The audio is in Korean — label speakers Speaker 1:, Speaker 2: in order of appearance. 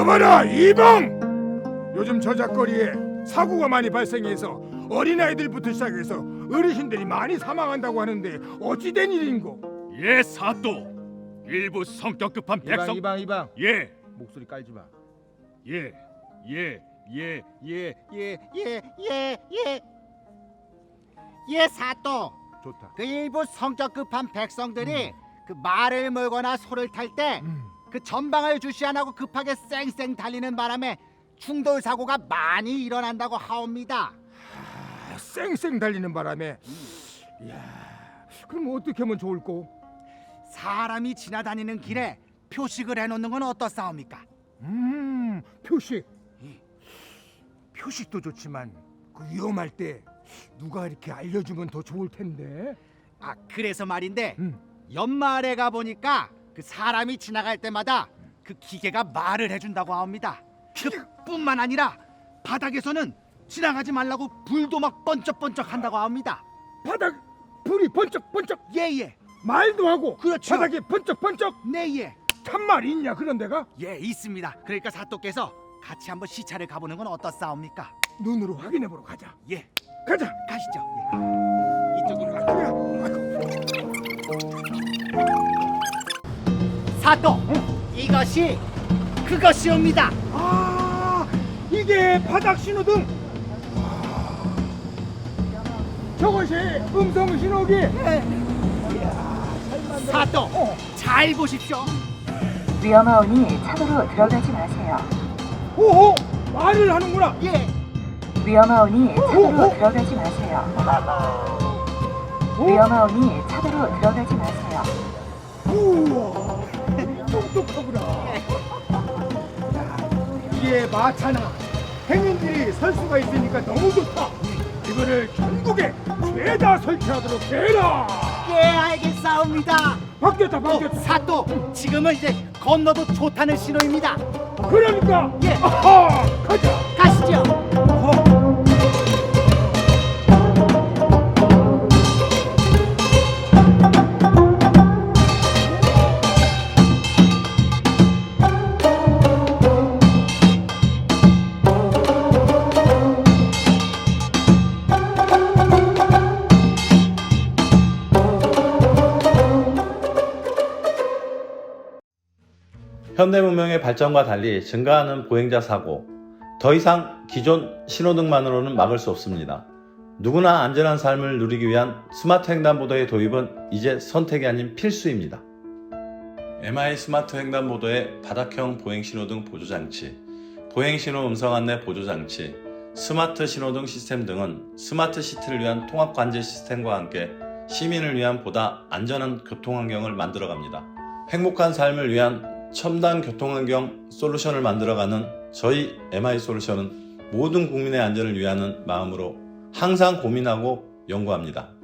Speaker 1: 여봐라 이방! 요즘 저작거리에 사고가 많이 발생해서 어린아이들부터 시작해서 어르신들이 많이 사망한다고 하는데 어찌 된 일인고?
Speaker 2: 예, 사또. 일부 성격 급한 백성.
Speaker 3: 이방
Speaker 2: 예,
Speaker 3: 목소리 깔지 마.
Speaker 2: 예, 예, 예, 예.
Speaker 4: 예, 사또.
Speaker 3: 좋다.
Speaker 4: 그 일부 성격 급한 백성들이 그 말을 몰거나 소를 탈 때 그 전방을 주시 안 하고 급하게 쌩쌩 달리는 바람에 충돌 사고가 많이 일어난다고 하옵니다.
Speaker 1: 쌩쌩 달리는 바람에 이야, 그럼 어떻게 하면 좋을꼬?
Speaker 4: 사람이 지나다니는 길에 표식을 해놓는 건 어떻사옵니까?
Speaker 1: 표식. 표식도 좋지만 그 위험할 때 누가 이렇게 알려주면 더 좋을 텐데.
Speaker 4: 아, 그래서 말인데
Speaker 1: 음.
Speaker 4: 연말에 가 보니까 그 사람이 지나갈 때마다 그 기계가 말을 해준다고 합니다. 그뿐만 아니라 바닥에서는 지나가지 말라고 불도 막 번쩍번쩍 한다고 합니다.
Speaker 1: 바닥 불이 번쩍번쩍
Speaker 4: 예예.
Speaker 1: 말도 하고
Speaker 4: 그렇죠.
Speaker 1: 바닥에 번쩍번쩍.
Speaker 4: 네예.
Speaker 1: 참말이 있냐 그런 데가?
Speaker 4: 예, 있습니다. 그러니까 사또께서 같이 한번 시차를 가보는 건 어떻사옵니까?
Speaker 1: 눈으로 확인해보러 가자.
Speaker 4: 예,
Speaker 1: 가자.
Speaker 4: 가시죠. 예. 이쪽으로 가죠. 사또, 이것이 그것이옵니다.
Speaker 1: 아, 이게 바닥 신호등. 저것이 음성 신호기.
Speaker 4: 사또, 잘 보십시오.
Speaker 5: 위험하오니 차도로 들어가지 마세요.
Speaker 1: 오호, 말을 하는구나.
Speaker 4: 예,
Speaker 5: 위험하오니 차도로 들어가지 마세요. 위험하오니 차도로 들어가지 마세요.
Speaker 1: 우와, 똑똑하구나. 이게 마차나 행인들이 설 수가 있으니까 너무 좋다. 이거를 전국에 죄다 설치하도록 해라.
Speaker 4: 예, 알겠사옵니다.
Speaker 1: 바뀌었다.
Speaker 4: 사또, 지금은 이제 건너도 좋다는 신호입니다.
Speaker 1: 그러니까
Speaker 4: 예.
Speaker 1: 아하, 가자.
Speaker 4: 가시죠.
Speaker 6: 현대 문명의 발전과 달리 증가하는 보행자 사고, 더 이상 기존 신호등만으로는 막을 수 없습니다. 누구나 안전한 삶을 누리기 위한 스마트 횡단보도의 도입은 이제 선택이 아닌 필수입니다. MI 스마트 횡단보도의 바닥형 보행신호등 보조장치, 보행신호 음성 안내 보조장치, 스마트 신호등 시스템 등은 스마트 시티를 위한 통합관제 시스템과 함께 시민을 위한 보다 안전한 교통환경을 만들어갑니다. 행복한 삶을 위한 첨단 교통환경 솔루션을 만들어가는 저희 MI 솔루션은 모든 국민의 안전을 위하는 마음으로 항상 고민하고 연구합니다.